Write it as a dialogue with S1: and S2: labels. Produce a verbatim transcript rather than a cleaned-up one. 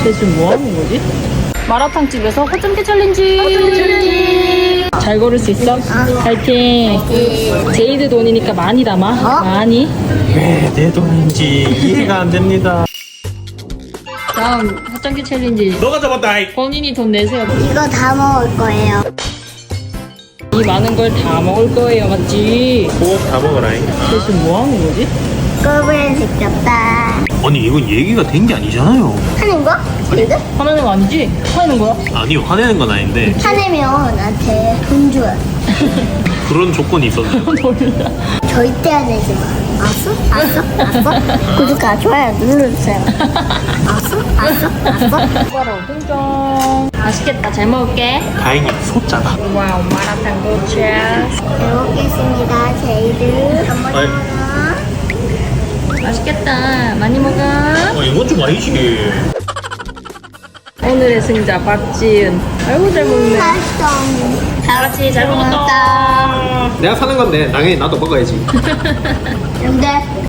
S1: 쟤 지금 뭐 하는 거지? 마라탕 집에서 허점기 챌린지. 허점기 챌린지. 잘 걸을 수 있어? 파이팅. 제이드 돈이니까 많이 담아.
S2: 어?
S1: 많이.
S3: 왜 내 돈인지 이해가 안 됩니다.
S1: 다음 허점기 챌린지.
S3: 너가 잡았다. 이.
S1: 본인이 돈 내세요.
S2: 이거 다 먹을 거예요.
S1: 이 많은 걸 다 먹을 거예요, 맞지?
S3: 꼭 다 먹어라. 이.
S1: 쟤 지금 뭐 하는 거지?
S2: 꼬부는 지겹다.
S3: 아니 이건 얘기가 된 게 아니잖아요.
S2: 하는 거? 지금?
S1: 화내는 거 아니지? 화내는 거야?
S3: 아니요, 화내는 건 아닌데
S2: 화내면 나한테 돈 줘요.
S3: 그런 조건이 있었네요.
S1: 몰라.
S2: 절대 안 내지 마. 알았어? 알았어? 알았어? 구독과 좋아요 눌러주세요. 알았어? 알았어? 알았어?
S1: 바로 흥정. 맛있겠다. 잘 먹을게.
S3: 다행히 소자다.
S1: 와우, 마라탕 도착.
S2: 잘 먹겠습니다. 제이드. 한번
S3: 아이.
S2: 하나.
S1: 맛있겠다. 많이 먹어.
S3: 아 이건 좀 아니지.
S1: 오늘의 승자 박지은. 아이고 잘 먹네.
S2: 맛있어.
S1: 다 같이 잘 먹었다.
S3: 내가 사는 건데 당연히 나도 먹어야지.
S2: 근데